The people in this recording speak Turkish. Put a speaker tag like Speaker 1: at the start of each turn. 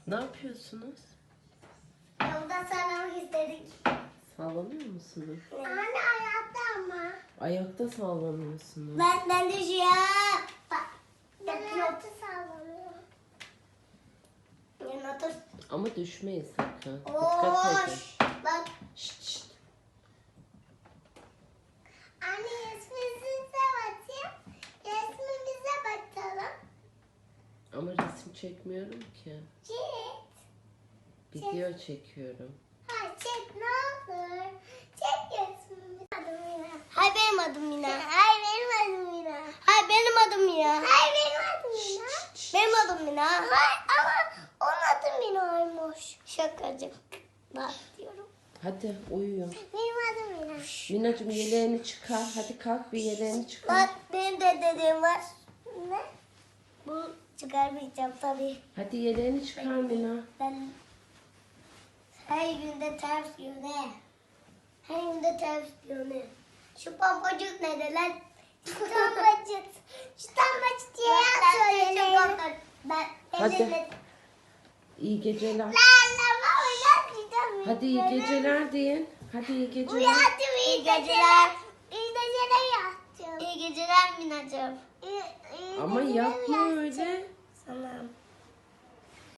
Speaker 1: Ne yapıyorsunuz?
Speaker 2: Yolda sallamak istedik.
Speaker 1: Sallanıyor musunuz?
Speaker 2: Anne ayakta ama.
Speaker 1: Ayakta sallanıyorsunuz.
Speaker 2: Ben düşüyorum. Bak. Ben ayakta sallanıyorum. Yanına dur.
Speaker 1: Ama düşmeyin sakın. Dikkat edin.
Speaker 2: Oş. Bak.
Speaker 1: Şşt, şşt.
Speaker 2: Anne resmimize bakayım. Resmimize bakalım.
Speaker 1: Ama resim çekmiyorum ki.
Speaker 2: Çek.
Speaker 1: Video çekiyorum.
Speaker 2: Ha çek ne olur. Çek resmimizi. Adım Mina. Hay benim adım Mina. Hay benim adım Mina. Hay benim adım Mina. Hay benim adım Mina. Benim adım Mina. Hay ama onun adı Mina'ymış. Şakacık. Bak diyorum.
Speaker 1: Hadi uyuyun.
Speaker 2: Benim adım Mina.
Speaker 1: Minacığım yeleğini çıkar. Hadi kalk bir yeleğini çıkar.
Speaker 2: Bak benim de dediğim var. Ne? Bu çıkarmayacağım tabii.
Speaker 1: Hadi yeleğini çıkar Mina.
Speaker 2: Ben her günde ters yöne. Her günde ters yöne. Şu pampacık ne lan? Şu pampacık. Şu pampacık diye söyleyelim. Ben
Speaker 1: Hadi. İyi geceler. Hadi iyi geceler deyin. Hadi iyi geceler.
Speaker 2: Uyandım iyi geceler. İyi geceler yattım. İyi geceler Minacığım.
Speaker 1: Ama yapma öyle.
Speaker 2: Tamam.